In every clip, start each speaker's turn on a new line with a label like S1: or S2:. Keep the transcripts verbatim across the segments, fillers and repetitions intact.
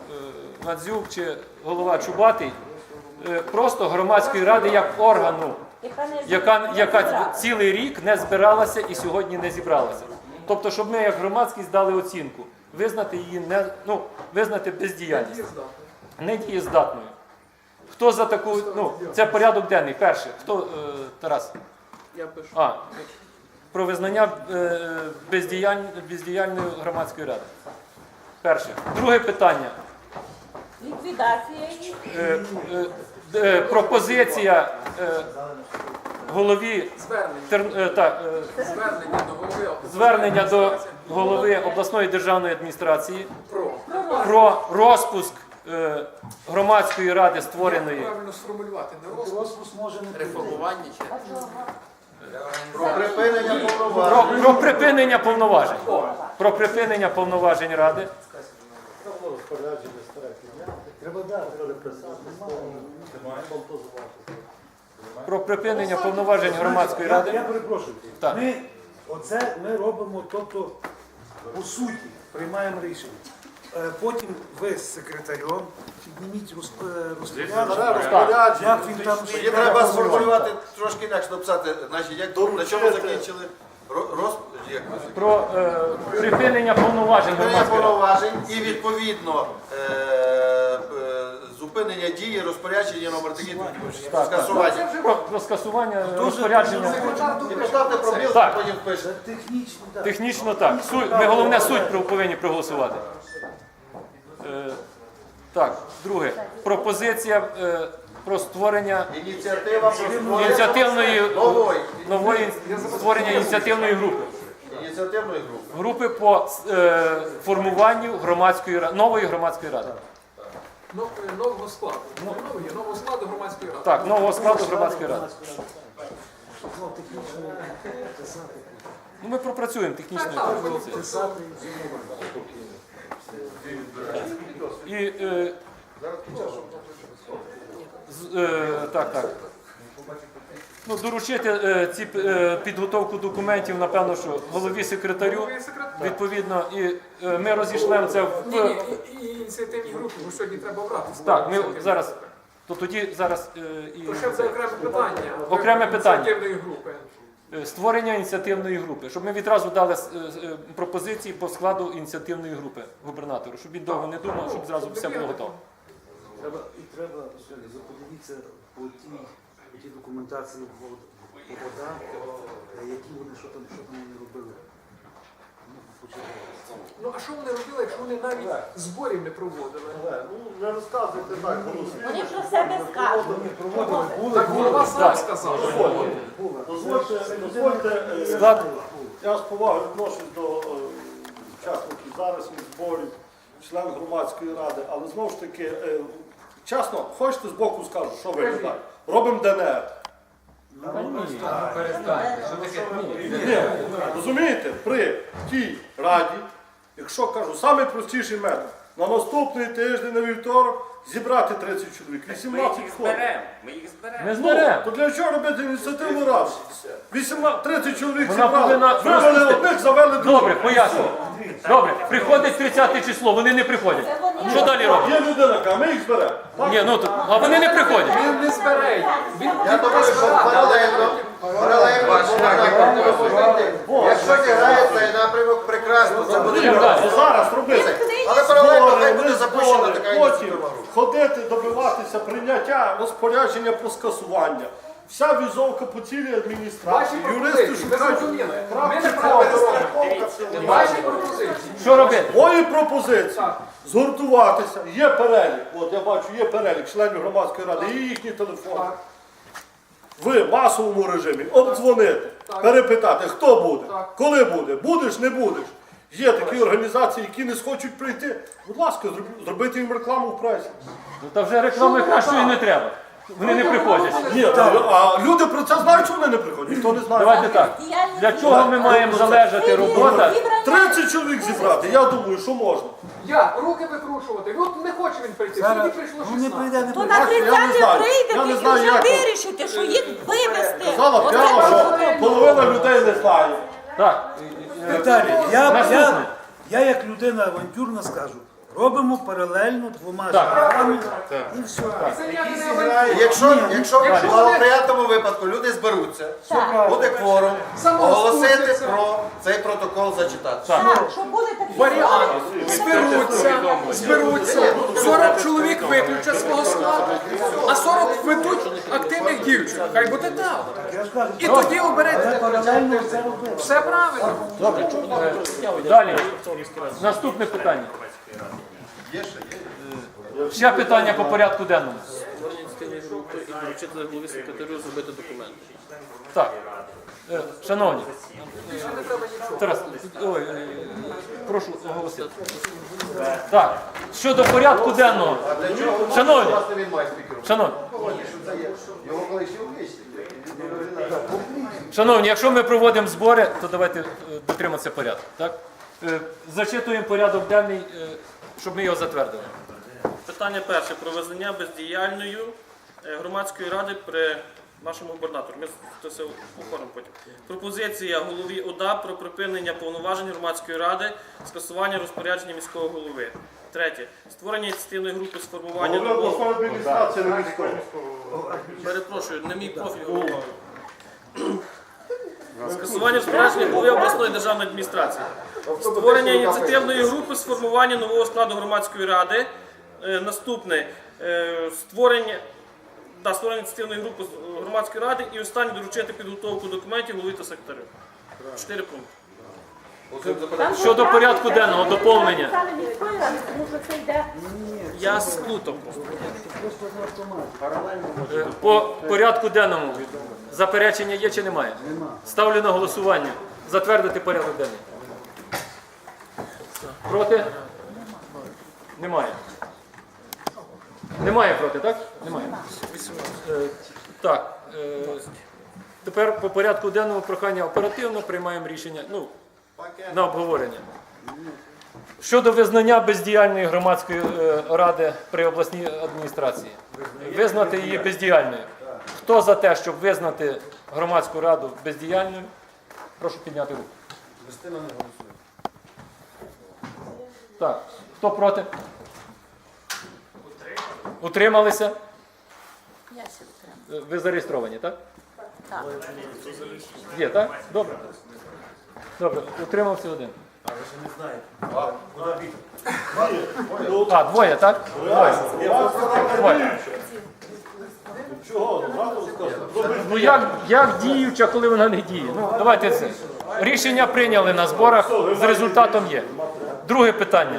S1: Надзюк чи голова Чубатий, е, просто громадської ради як органу, яка, яка цілий рік не збиралася і сьогодні не зібралася. Тобто, щоб ми як громадськість дали оцінку, визнати її не, ну, визнати бездіяльність, недієздатною. Хто за таку, ну, це порядок денний, перше. Хто, е, Тарас?
S2: Я пишу.
S1: А, про визнання е, бездіяль... бездіяльної громадської ради. Перше. Друге питання.
S3: Ліквідація їх.
S1: Е, е, е, пропозиція е, голові
S2: Звернення.
S1: Тер... е, так, е,
S2: Звернення до голови.
S1: звернення до голови обласної державної адміністрації
S2: Про.
S1: про розпуск е, громадської ради створеної.
S2: Як правильно сформулювати? Не розпуск.
S4: Розпуск може не
S2: Реформування чи?
S5: Про припинення
S1: Про,
S5: повноважень.
S1: про припинення повноважень. Про припинення повноважень ради.
S4: треба дати.
S1: Про припинення повноважень громадської
S4: Я,
S1: ради.
S4: я перепрошую.
S1: Так.
S4: Ми, оце ми робимо, тобто, по суті, приймаємо рішення. Е, Потім ви з секретарем підніміть розп- е, розпорядження. Як він там
S5: Тоді треба сформулювати трошки інакше написати, значить, як на чому закінчили Ро- роз... як ви закінчили?
S1: Про е, припинення повноважень
S5: Припинення
S1: громадської ради.
S5: повноважень і відповідно е, е, зупинення дії розпорядження номер такі скасування.
S1: Про, про скасування розпорядження.
S5: І поставте пробіл,
S1: Так.
S5: потім пишете.
S4: технічно, так.
S1: Технічно так. Суть, ми головне суть про- повинні проголосувати. Е, так, друге. Пропозиція е, про створення
S5: Ініціатива про створення
S1: ініціативної,
S5: нової
S1: нової створення ініціативної групи.
S5: ініціативної групи.
S1: Групи по е, формуванню громадської ра- нової громадської ради.
S2: Нов- Нового складу. Нового, нового складу громадської ради.
S1: Так, нового складу громадської ради.
S4: Ну, технічно писати.
S1: Ну, ми пропрацюємо технічну
S2: Так, так,
S1: пропозицію.
S4: Писати.
S1: І, е, з- е, так, так. Ну, доручити е, ці е, підготовку документів, напевно, що голові секретарю,
S2: Голові секретарю.
S1: відповідно, і е, ми розійшлемо це в...
S2: Ні, ні, і, і ініціативні групи, бо сьогодні треба обрати.
S1: Так, ми зараз, то тоді зараз е, і
S2: То ще це окреме питання.
S1: Окреме питання.
S2: Ініціативної групи.
S1: е, створення ініціативної групи, щоб ми відразу дали е, е, пропозиції по складу ініціативної групи губернатору, щоб він довго не думав, щоб зразу все було готово.
S4: Треба, і треба сьогодні подивитися по тій, по тій документації по по водах, е, які вони, що там, що там вони робили. Ну, почитати.
S2: Ну а що вони робили, якщо вони навіть зборів не проводили?
S5: Ну, не розказуйте так,
S3: Вони про себе скажуть.
S2: Так голова сам сказав.
S6: Дозвольте, дозвольте, е,
S1: Склад
S6: я з повагою відношусь до е, учасників зарисних зборів, членів громадської ради, але знову ж таки, е, чесно, хочете з боку скажу, що ви не так? Робимо ДНР. Ні, розумієте, при тій раді, якщо кажу, самий простіший метод, на наступний тиждень, на вівторок, зібрати тридцять чоловік, вісімнадцять входить.
S7: Ми їх зберемо.
S1: Ми зберемо.
S6: То для чого робити ініціативну раду? вісімнадцять, тридцять чоловік
S1: Вона
S6: зібрали,
S1: повинна
S6: вивели
S1: розпустити.
S6: одних, завели других.
S1: Добре, поясню. Добре, приходить тридцяте число, вони не приходять.
S3: Це вони
S1: Що далі робити?
S6: Є людина, яка, ми їх зберемо. Так?
S1: Ні, ну, то- а вони не приходять.
S2: Він не збере. Він
S5: Я думаю, що паралельно, паралельно, якщо не грає цей напрямок, прекрасно, це буде.
S1: Йдемо далі.
S6: То зараз робити.
S5: Але паралельно хай
S6: Збори,
S5: буде
S6: не
S5: запущена
S6: збори,
S5: така
S6: потім
S5: ініціативна група.
S6: ходити, добиватися прийняття розпорядження про скасування. Вся візовка по цілій
S2: Ваші
S6: адміністрації, юристи
S2: пропозиції, ви
S6: шукають.
S2: зрозуміли. Ми
S6: крапки
S2: не правильно
S6: робимо.
S2: робимо. Ваші пропозиції.
S1: Що робити?
S6: Мої пропозиції згуртуватися. Є перелік. От я бачу, є перелік членів громадської ради, є їхні телефони.
S2: Так.
S6: В масовому режимі обдзвонити,
S2: Так.
S6: перепитати, хто буде,
S2: Так.
S6: коли буде, будеш, не будеш. Є такі організації, які не схочуть прийти. Будь ласка, зроб- зробити їм рекламу в пресі.
S1: Ну, та вже реклами кращої не треба. Вони не приходять.
S6: Ні, та, а люди про це знають, що вони не приходять. Ніхто не знає.
S1: Давайте так. Для чого ми маємо залежати робота?
S6: тридцять чоловік зібрати, я думаю, що можна.
S2: Як? Руки викручувати. От не хоче він прийти. Сьогодні прийшло
S4: Ну, не прийде,
S2: шістнадцять.
S4: не
S3: То
S4: прийде.
S3: на
S6: Я не
S3: тридцяте
S6: знаю.
S3: прийде,
S6: Я не
S3: і
S6: знаю,
S3: вже
S6: як то.
S3: вирішите, що їх вивезти.
S6: Казала
S3: Оце
S6: прямо, що
S3: правильно.
S6: половина людей не знає.
S1: Так.
S4: Віталій, я,
S1: Наступне.
S4: я, я як людина авантюрна скажу, робимо паралельно
S1: Так.
S4: І все.
S2: Це ніяке не авантюра.
S5: Якщо, якщо в благоприятному випадку люди зберуться,
S3: Так.
S5: буде кворум,
S2: Само
S5: оголосити
S2: спуститься.
S5: про цей протокол зачитати.
S3: Так, щоб були такі
S2: Варіант.
S3: ситуації.
S2: Зберуться, зберуться. сорок чоловік виключать свого складу, а сорок ведуть активних дівчат. Хай буде так.
S4: Я ж кажу,
S2: І тоді
S4: але
S2: оберете.
S4: паралельно це робили.
S2: Все правильно.
S1: Далі. Наступне питання. Ще питання по порядку денному.
S7: І доручити голові секретарю зробити документи.
S1: Так. Е, Шановні. Тарас, ой, е, прошу оголосити. Так. Щодо порядку денного. Шановні.
S5: Власне, він має спікером.
S1: Шановні.
S5: Його колишній обличчя.
S1: Шановні, якщо ми проводимо збори, то давайте е, дотриматися порядку. Так? Е, Зачитуємо порядок денний, е, щоб ми його затвердили.
S7: Питання перше. Про визнання бездіяльною е, громадської ради при нашому губернатору. Ми це все оформимо потім. Пропозиція голові ОДА про припинення повноважень громадської ради, скасування розпорядження міського голови. Третє. Створення ініціативної групи з формування
S6: Головне
S7: нового...
S6: обласної адміністрації не військової.
S7: Перепрошую, не мій профіль голова. Скасування розпорядження голови обласної державної адміністрації. Створення ініціативної групи з формування нового складу громадської ради. Е, Наступне. Е, Створення, да, створення ініціативної групи з громадської ради. І останнє доручити підготовку документів голові та секретарю. Чотири пункти.
S3: Там
S1: Щодо
S3: же
S1: порядку
S3: правда,
S1: денного,
S3: це
S1: доповнення.
S3: написали міської ради, тому що це йде.
S7: Я сплутав просто.
S4: Просто на автоматі.
S1: Е, По порядку денному заперечення є чи немає?
S4: Нема.
S1: Ставлю на голосування. Затвердити порядок денний. Проти? Немає. Немає проти, так? Немає. Е, Так. е, Тепер по порядку денному прохання оперативно приймаємо рішення ну, на обговорення. Щодо визнання бездіяльної громадської е, ради при обласній адміністрації. Визнати її бездіяльною. Хто за те, щоб визнати громадську раду бездіяльною? Прошу підняти руку. Так. Хто проти? Утрималися?
S3: Я ще отримала.
S1: Е, Ви зареєстровані, так?
S3: Так.
S1: Є, так? Добре. Добре. Утримався один. А, двоє, так? Двоє. Двоє.
S6: Чого? Зразу скажу.
S1: Ну як, як діюча, коли вона не діє? Ну, давайте це. Рішення прийняли на зборах, з результатом є. Друге питання.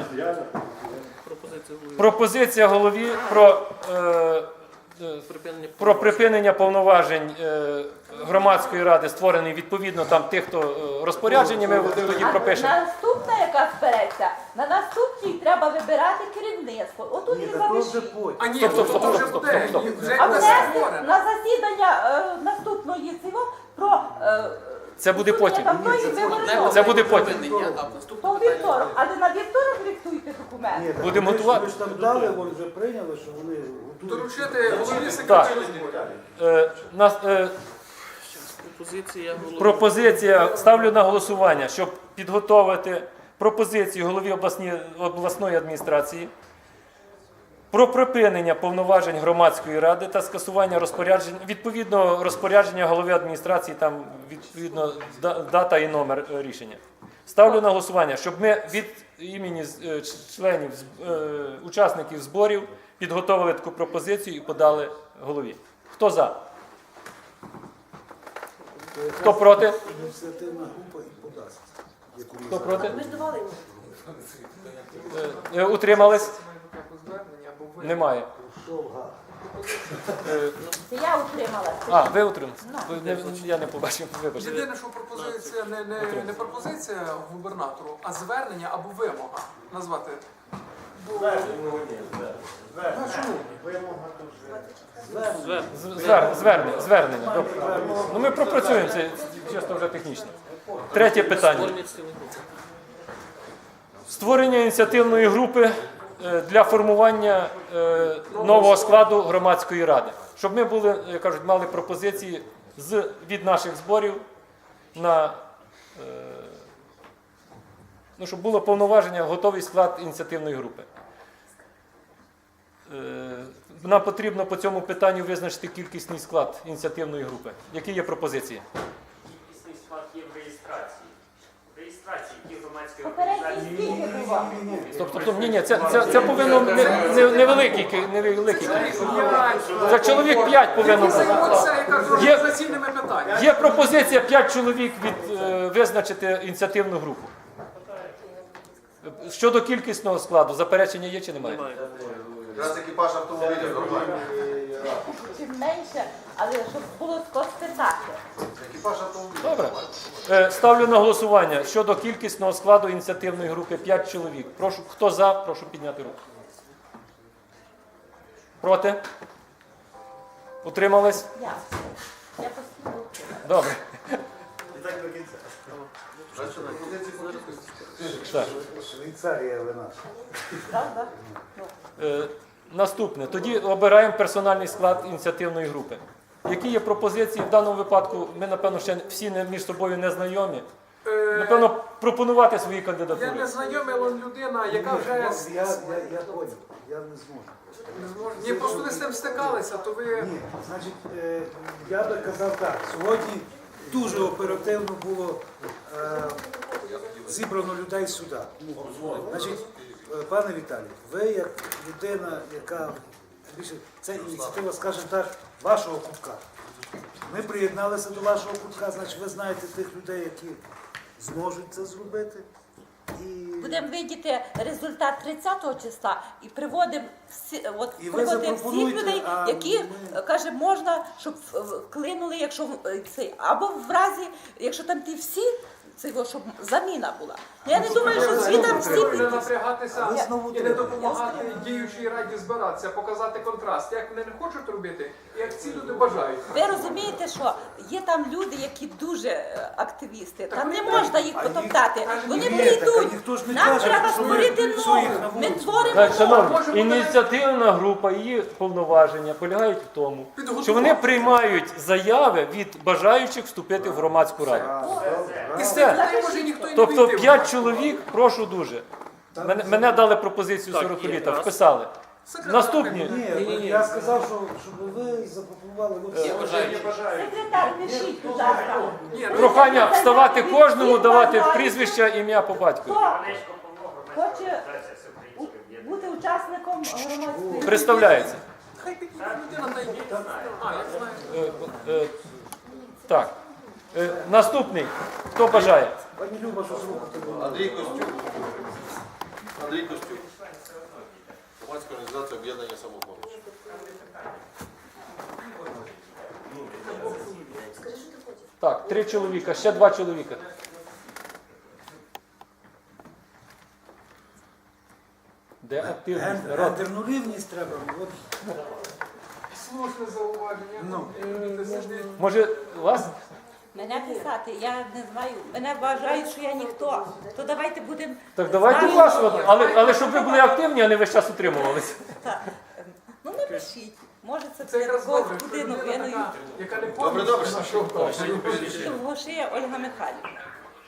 S1: Пропозиція голові про, е, е,
S7: Припинення
S1: про припинення повноважень е, громадської ради, створений відповідно там тих, хто е, розпорядження, ми тоді
S3: А
S1: пропишемо.
S3: наступна, яка збереться, на наступній треба вибирати керівництво. Отут і
S4: Ні, так то вже
S3: залишіть.
S4: потім.
S2: А ні,
S1: Стоп, стоп,
S2: то
S1: стоп,
S2: вже
S1: стоп,
S2: буде.
S1: стоп, стоп.
S2: Вже
S3: А
S2: буде
S3: внести
S2: створено.
S3: на засідання е, наступної цього про е,
S1: Це буде потім.
S3: давної вибори.
S1: Це буде потім.
S3: То в вівторок, але на вівторок диктуйте документи.
S4: Ні, так
S1: Будемо
S4: ви ж-
S1: готувати.
S4: Ви ж там дали, вони вже прийняли, що вони готують.
S2: Доручити голові секретарю.
S1: Е, нас, е,
S7: пропозиція голови.
S1: пропозиція, ставлю на голосування, щоб підготовити пропозицію голові обласні- обласної адміністрації про припинення повноважень громадської ради та скасування розпоряджень, відповідно розпорядження голови адміністрації, там відповідно да- дата і номер е, рішення. Ставлю на голосування, щоб ми від імені з- е, членів, з- е, учасників зборів підготовили таку пропозицію і подали голові. Хто за? Хто проти?
S4: Ініціативна група і подасть. яку
S1: Хто проти?
S3: Ми ж давали йому.
S1: Е, е, Утримались?
S2: Звернення або ви.
S1: Немає.
S4: Пішов гад.
S1: Е,
S3: Це я утрималася.
S1: А, ви утримались? Ви не- Я не побачив, вибачте.
S2: Єдине, що пропозиція не, не, не пропозиція губернатору, а звернення або вимога назвати. Бо- Ну, чому?
S1: З- звер- Звернення, звернення. Добре. Ну ми пропрацюємо це чисто вже технічно. Третє питання. Створення ініціативної групи е, для формування е, нового складу громадської ради. Щоб ми були, як кажуть, мали пропозиції з, від наших зборів на е, ну, щоб було повноваження, готовий склад ініціативної групи. нам потрібно по цьому питанню визначити кількісний склад ініціативної групи. Які є пропозиції?
S8: Кількісний склад є в реєстрації. В реєстрації які громадські
S3: Попередній
S8: організації.
S3: скільки було?
S1: Тобто, тобто ні, ні, це, це, це повинно не, не, невеликий, ки- невеликий. Це чоловік п'ять повинно
S2: Які
S1: бути.
S2: займуться, я кажу,
S1: Є-
S2: організаційними питаннями.
S1: Є пропозиція п'ять чоловік від, е, визначити ініціативну групу. Щодо кількісного складу, заперечення є чи немає?
S5: Якраз екіпаж автомобіля нормально.
S3: Чим менше, але щоб було хто спитати.
S5: Екіпаж автомобіля.
S1: Добре. Е, Ставлю на голосування щодо кількісного складу ініціативної групи п'ять чоловік. Прошу, хто за, прошу підняти руку. Проти? Утримались?
S3: Я. Я постійно.
S1: Добре.
S5: Значить, пропозиції по кількості.
S1: Так.
S4: Швейцарія ви наша.
S3: Правда?
S1: Е, Наступне. Тоді обираємо персональний склад ініціативної групи. Які є пропозиції в даному випадку? Ми, напевно, ще всі не- між собою не знайомі.
S2: Е,
S1: Напевно, пропонувати свої
S2: Я
S1: кандидатури.
S2: не знайомий, але людина, яка вже
S4: Я,
S2: с-
S4: я, я понял, я не зможу.
S2: не зможе. Ні, просто ви з цим стикалися, то ви.
S4: Ні, значить, е, я би казав так, сьогодні дуже оперативно було е, зібрано людей сюди. Значить, е, пане Віталій, ви як людина, яка більше, це ініціатива, скажімо так, вашого кутка. Ми приєдналися до вашого кутка, значить ви знаєте тих людей, які зможуть це зробити. І...
S3: Будемо видіти результат тридцятого числа і приводимо всі, от,
S4: І ви
S3: приводимо всіх
S4: запропонуйте,
S3: людей,
S4: а
S3: які
S4: ми-
S3: каже, можна, щоб в- вклинули, якщо е, цей, або в разі, якщо там ті всі, це його, щоб заміна була. Я не думаю, що всі там всі
S2: Не
S3: підуть.
S2: напрягатися
S4: ви знову
S2: і не
S4: треба.
S2: допомагати діючій раді збиратися, показати контраст, як вони не хочуть робити, і як ці люди бажають.
S3: Ви розумієте, що є там люди, які дуже е, активісти, там не можна їх потоптати. Вони
S4: Ні,
S3: прийдуть.
S4: так, а ніхто ж не
S3: Нам
S4: каже,
S3: треба
S4: що ми
S3: створити
S4: всю їх на
S3: нову. Ми
S4: вулицю.
S3: творимо
S1: Так,
S3: нову.
S1: шановні, ініціативна група, її повноваження полягають в тому, що вони приймають заяви від бажаючих вступити в громадську раду.
S2: І з
S1: Все.
S2: цих людей може ніхто й не
S1: Тобто
S2: вийти.
S1: п'ять чоловік, прошу дуже. Мене, мене дали пропозицію
S7: Так,
S1: сорок
S7: є,
S1: літа,
S7: раз.
S1: вписали.
S2: Секретар
S1: Наступні.
S4: Ні, я сказав, що, щоб ви запропонували. от-
S3: Секретар, пишіть, будь ласка.
S2: Ні, ну,
S1: Прохання вставати кожному, давати прізвище, ім'я по батькові.
S3: Хто
S8: Олешко Павло, громадська
S3: хоче
S8: організація Всеукраїнське об'єднання.
S3: бути учасником громадської
S1: Представляється.
S2: хай підійде людина та йде. А, я знаю.
S1: Е, е, Так. Е, Наступний. Хто бажає?
S4: Пані Люба, що зробити?
S5: Андрій Костюк. Андрій Костюк. Громадська організація об'єднання самопоміч.
S1: Так, три чоловіка, ще два чоловіка. Де активність? Народ.
S4: Гендерну рівність треба. От.
S2: Слушне зауваження.
S4: Ну.
S2: Люди сидять.
S1: Може, вас?
S3: Мене писати, я не знаю. Мене вважають, що я ніхто. То давайте будемо.
S1: Так давайте
S3: знаю.
S1: вас, от, але, але щоб ви були активні, а не весь час утримувалися.
S3: Так. Ну напишіть. Може це
S2: Це
S3: для
S2: якраз
S3: когось
S2: добре, що
S3: будинок, я
S2: людина
S3: не
S2: така, яка не
S5: Добре, добре.
S2: повністю.
S3: Довгошия Ольга Михайлівна.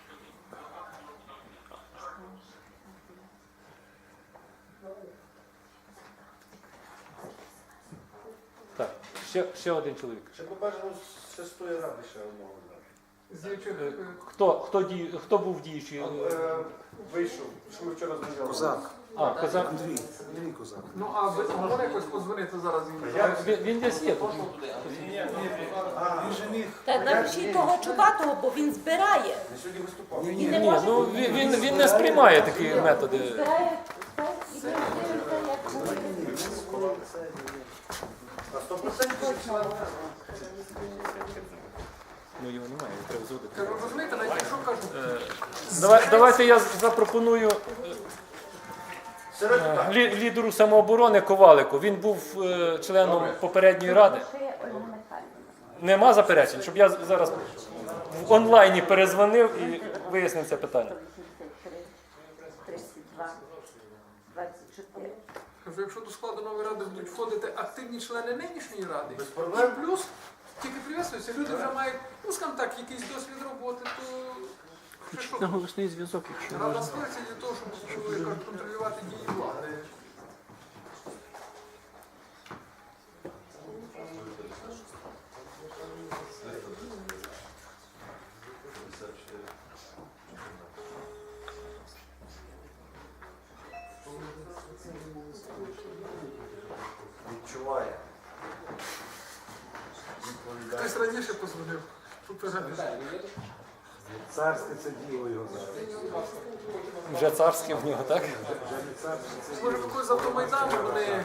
S1: Так, ще, ще один чоловік.
S5: Ще побажано з шестої ради ще одного.
S2: З діючих,
S1: Е,
S2: е,
S1: Хто, хто, дій, хто був діючий?
S5: Вийшов, що ми вчора змінювали.
S4: Козак.
S1: А, Козак.
S4: Андрій. Андрій Козак.
S2: Ну, а ви можна якось подзвонити зараз їм?
S1: Він, він десь є. тут.
S4: Він же міг.
S3: Та напишіть того чубатого, бо він збирає.
S4: Ні,
S3: І
S4: ні,
S3: не
S1: Ні,
S3: може
S1: ну він, він, він не сприймає такі методи.
S3: збирає все і дивиться, як буде.
S5: На сто процентів.
S1: Ну його немає, його треба зводити.
S2: Кажу, розумієте, навіть якщо кажуть,
S1: Давай, давайте я запропоную
S5: Серед
S1: е, лі- лідеру самооборони Ковалику. Він був е, членом попередньої ради.
S3: Довгошия Ольга Михайлівна.
S1: Нема заперечень, щоб я зараз в онлайні перезвонив і вияснив це питання.
S3: тридцять два, двадцять чотири.
S2: кажу, якщо до складу нової ради будуть входити активні члени нинішньої ради,
S5: Без проблем.
S2: і плюс тільки прив'язуються, люди вже мають, ну скажімо так, якийсь досвід роботи, то вже що?
S7: Голосний зв'язок, якщо
S2: Рада створюється для того, щоб як кажуть, контролювати дії влади. щось раніше позвонив. Попередив.
S4: Царське це діло його зараз.
S1: Вже царське в нього, так?
S4: Вже не царське, це
S2: Може, якось з автомайдану вони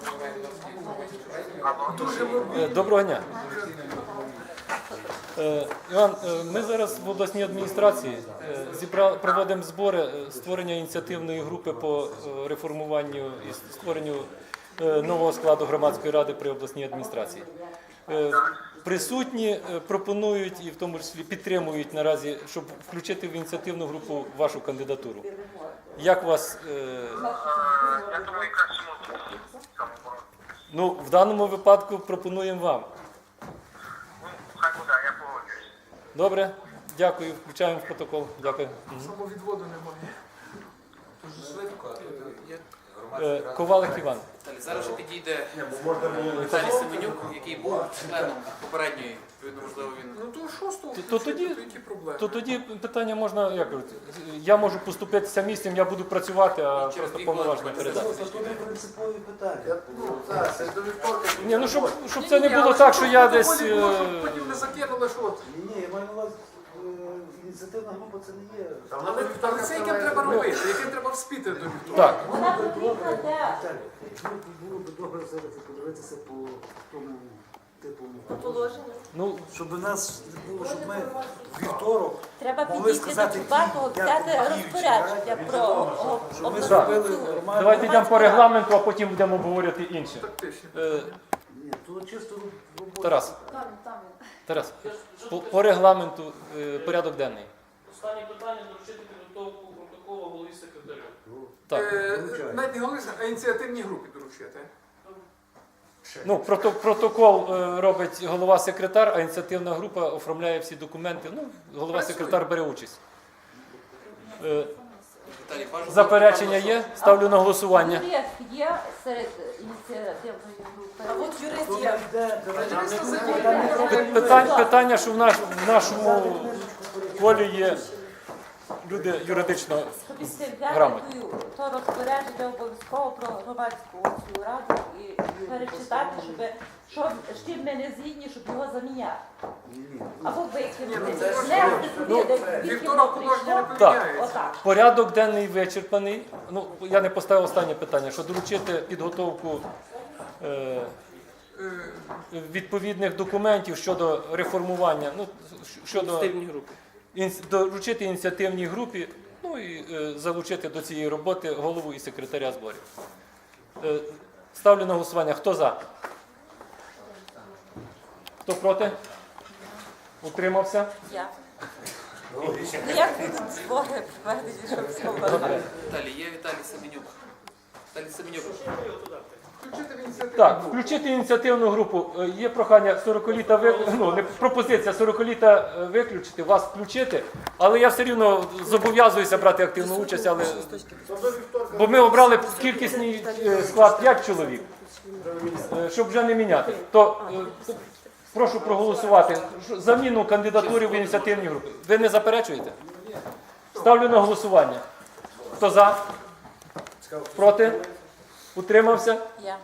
S2: дуже мобільні.
S1: Е, Доброго дня. Е, Іван, е, ми зараз в обласній адміністрації е, зібра- проводимо збори е, створення ініціативної групи по е, реформуванню і створенню е, нового складу громадської ради при обласній адміністрації. Е, Присутні е, пропонують і в тому числі підтримують наразі, щоб включити в ініціативну групу вашу кандидатуру. Як вас? е,
S9: Я думаю, краще можна цьому бороти.
S1: Ну, в даному випадку пропонуємо вам.
S9: Ну, хай буде, я погоджуюсь.
S1: Добре, дякую, включаємо в протокол. Дякую. Мгм.
S2: Самовідводу немає. Дуже швидко.
S1: Е, Ковалик Іван.
S10: Далі зараз вже підійде Віталій Семенюк, який був членом попередньої, відповідно, можливо, він.
S2: Ну то шостого,
S1: То- то тоді-
S2: які проблеми?
S1: То тоді питання можна, як говорити, я можу поступитися місцем, я буду працювати, а
S10: через
S1: просто
S10: дві
S1: повноваження
S10: хвилини
S1: передати.
S4: Це не принципові питання.
S5: Ну, так, це до вівторка.
S1: Ні, ну щоб, щоб
S2: Ні,
S1: це не
S2: ні,
S1: було
S2: але
S1: так,
S2: щоб
S1: що я
S2: в
S1: десь.
S2: протоколі було,
S1: е,
S2: щоб потім не закинули, що от.
S4: Ні, ні, я маю на увазі, е, ініціативна група це не є.
S5: Там на
S2: Але,
S5: вівторка
S2: але це яким
S5: триває.
S2: треба робити, яким треба вспіти до вівторка.
S1: Так,
S3: Вона потрібна де
S4: Віталій, ну, було б добре зараз подивитися по тому типу,
S3: положення.
S1: ну
S4: щоб у нас було, щоб ми в вівторок
S3: Треба
S4: могли
S3: підійти до
S4: сказати,
S3: Чубатого,
S4: як
S3: взяти
S4: діючі
S3: розпорядження
S4: раді,
S3: про о-
S4: щоб ми
S3: обласну
S4: зробили
S3: цю-
S4: нормально.
S1: давайте йдемо по регламенту, а потім будемо говорити інше.
S2: Тактично.
S1: Е,
S4: Ні, то чисто робота.
S1: Тарас. Тарас, по, по регламенту е, порядок денний.
S7: Останнє питання доручити підготовку протоколу голові секретарю.
S1: Так.
S2: Е, Навіть не головне, а ініціативній групі доручити.
S1: Ну, прото- протокол е, робить голова секретар, а ініціативна група оформляє всі документи. Ну, голова секретар бере участь. Е,
S10: Віталій, бажано.
S1: Заперечення є? Ставлю на голосування.
S3: Юрист є серед ініціативної групи. А от юрист
S4: То
S3: є.
S4: йде, давайте,
S2: Юриста
S4: там
S2: задіяли.
S4: не треба юриста.
S1: Питання, питання, що в, наш, в нашому полі є люди юридично.
S3: Щоб взяти
S1: Грамотно.
S3: ту- то розпорядження обов'язково про громадську цю раду і перечитати, щоб що, з чим ми не згідні, щоб його заміняти. Або викинути. Внести туди, де
S2: Вівторок
S3: відкинуло
S2: положення не
S3: прийшло.
S2: поміняється.
S3: Отак.
S1: Порядок денний вичерпаний. Ну, я не поставив останнє питання, що доручити підготовку е,
S2: Е,
S1: відповідних документів щодо реформування, ну, щодо
S7: Активні групи.
S1: інс- доручити ініціативній групі, ну і е, залучити до цієї роботи голову і секретаря зборів. Е, ставлю на голосування. Хто за? Хто проти? Утримався?
S3: Я. Ну як будуть збори проведені, щоб все було?
S10: Віталій, є Віталій Семенюк. Віталій Семенюк.
S2: Включити в ініціативну
S1: Так,
S2: групу.
S1: включити ініціативну групу. Е, Є прохання сорокаліта ви... ну, не пропозиція сорокаліта е, виключити, вас включити, але я все рівно зобов'язуюся брати активну участь, але бо ми обрали кількісний е, склад п'ять чоловік, е, щоб вже не міняти. То е, прошу проголосувати що- заміну кандидатури в ініціативній групі. Ви не заперечуєте? Ставлю на голосування. Хто за? Проти? Утримався?
S3: Я.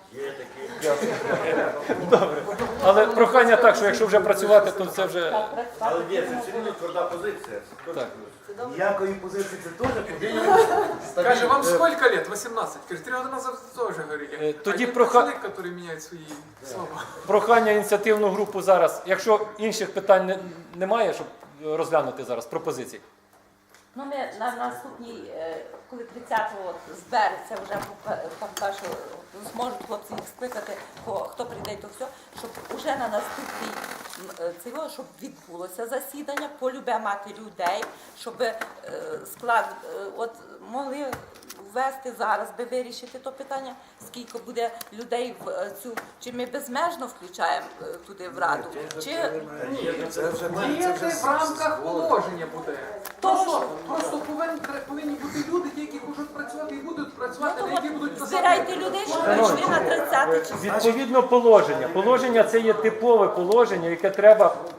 S1: Добре. Але прохання так, що якщо вже працювати, то це вже
S3: Так, працювати.
S5: Але ні, це все рівно тверда позиція.
S1: так.
S4: Ніякої позиції це теж позиція.
S2: Каже, вам сколько лет? восемнадцать. Каже, три года назад тоже говорили.
S1: Е, тоді
S2: а є
S1: проха-
S2: человек, который меняет свои слова.
S1: Прохання ініціативну групу зараз. Якщо інших питань не- немає, щоб розглянути зараз пропозиції.
S3: Ну, ми на наступній, е, коли тридцятого збереться, вже попе- там каже, що зможуть хлопці їх скликати, ко- хто прийде, то все, щоб уже на наступний м, е, цього, щоб відбулося засідання, полюбе мати людей, щоб е, склад, е, от могли ввести зараз, би вирішити то питання, скільки буде людей в е, цю, чи ми безмежно включаємо е, туди в раду, чи
S4: Це вже ми, це
S2: Діяти
S4: вже
S2: в рамках положення буде.
S3: То,
S2: Просто,
S3: що-
S2: просто повинні, повинні бути люди, ті, які хочуть працювати і будуть працювати,
S3: Ну,
S2: а які будуть писати.
S3: збирайте людей, щоб прийшли на тридцяте число.
S1: Відповідно положення. Положення це є типове положення, яке треба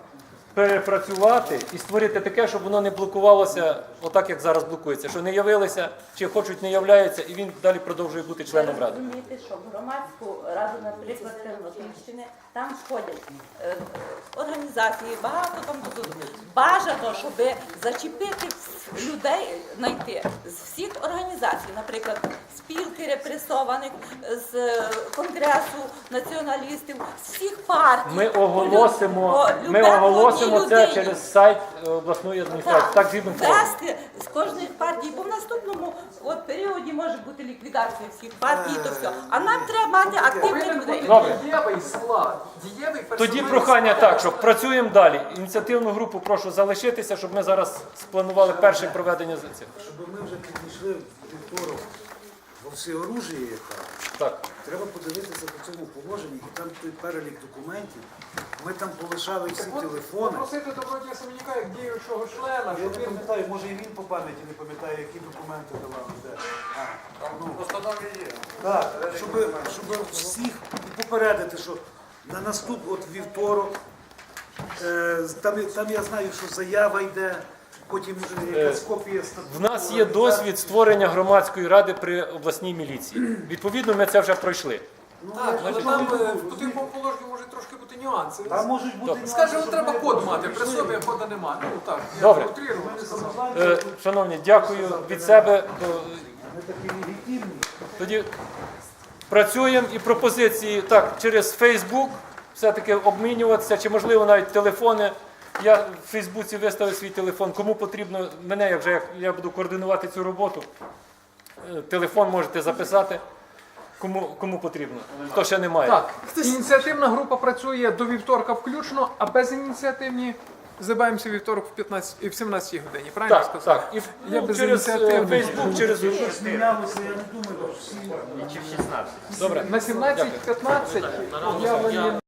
S1: перепрацювати і створити таке, щоб воно не блокувалося отак, як зараз блокується. Що не явилися, чи хочуть, не являються, і він далі продовжує бути членом
S3: Ви
S1: ради.
S3: розумієте, що в громадську раду, наприклад, Тернопільщини, там входять е, організації, багато там тут. Бажано, щоб зачепити вс- людей, знайти з всіх організацій, наприклад, спілки репресованих, з е, Конгресу націоналістів, з всіх партій.
S1: Ми
S3: По лю-
S1: оголосимо,
S3: по
S1: ми
S3: любе-
S1: оголосимо
S3: одній
S1: це
S3: людині.
S1: через сайт е, обласної адміністрації. Так, згідно форми.
S3: вести з кожної партії, бо в наступному от, періоді може бути ліквідація всіх партій, то все. А нам треба мати активних
S2: Повинен
S3: людей.
S2: бути
S1: Добре.
S2: дієвий склад, дієвий персональний
S1: Тоді прохання
S2: склад.
S1: так, щоб працюємо далі. Ініціативну групу прошу залишитися, щоб ми зараз спланували перше проведення з цих.
S4: Щоб ми вже підійшли в вівторок во всеоружії, яка
S1: Так.
S4: треба подивитися по цьому положенні, і там той перелік документів. Ми там полишали всі телефони.
S2: Попросити Добродія Семенюка як діючого члена,
S4: Я
S2: щоб
S4: не
S2: він
S4: пам'ятаю, може і він по пам'яті не пам'ятає, які документи давали. Де. А, ну,
S5: Постанові є.
S4: так, щоб, щоб всіх і попередити, що на наступ, от вівторок, е, там, там я знаю, що заява йде, потім е, якась копія статуту.
S1: В нас є досвід створення громадської ради при обласній міліції. Відповідно, ми це вже пройшли.
S2: так, але там е, в потрібному положенні може трошки бути нюанси.
S4: Там можуть бути нюанси,
S2: Скажімо,
S4: щоб
S2: треба
S4: ми-
S2: код мати, при собі а кода немає. Ну так, я
S1: Добре.
S2: утрирую,
S4: Ми
S2: сказав.
S4: самозванці,
S1: Е, Шановні, дякую від себе. Е,
S4: ми такі легітимні.
S1: Тоді працюємо і пропозиції так через Фейсбук все-таки обмінюватися, чи можливо навіть телефони. Я в Фейсбуці виставив свій телефон. Кому потрібно мене, як вже як я буду координувати цю роботу. е, Телефон можете записати. Кому, кому потрібно, хто ще не має.
S2: Так, ініціативна група працює до вівторка включно, а безініціативні забаємося вівторок в п'ятнадцятій в сімнадцятій годині. Правильно я
S1: Так,
S2: сказав?
S1: так. І
S2: Я
S1: ну,
S2: без
S1: через е,
S2: ініціативних.
S1: Фейсбук, через
S4: Щось мінялося, я не думаю, що всі.
S8: Чи в шістнадцять?
S1: добре.
S2: На сімнадцять п'ятнадцять об'явлені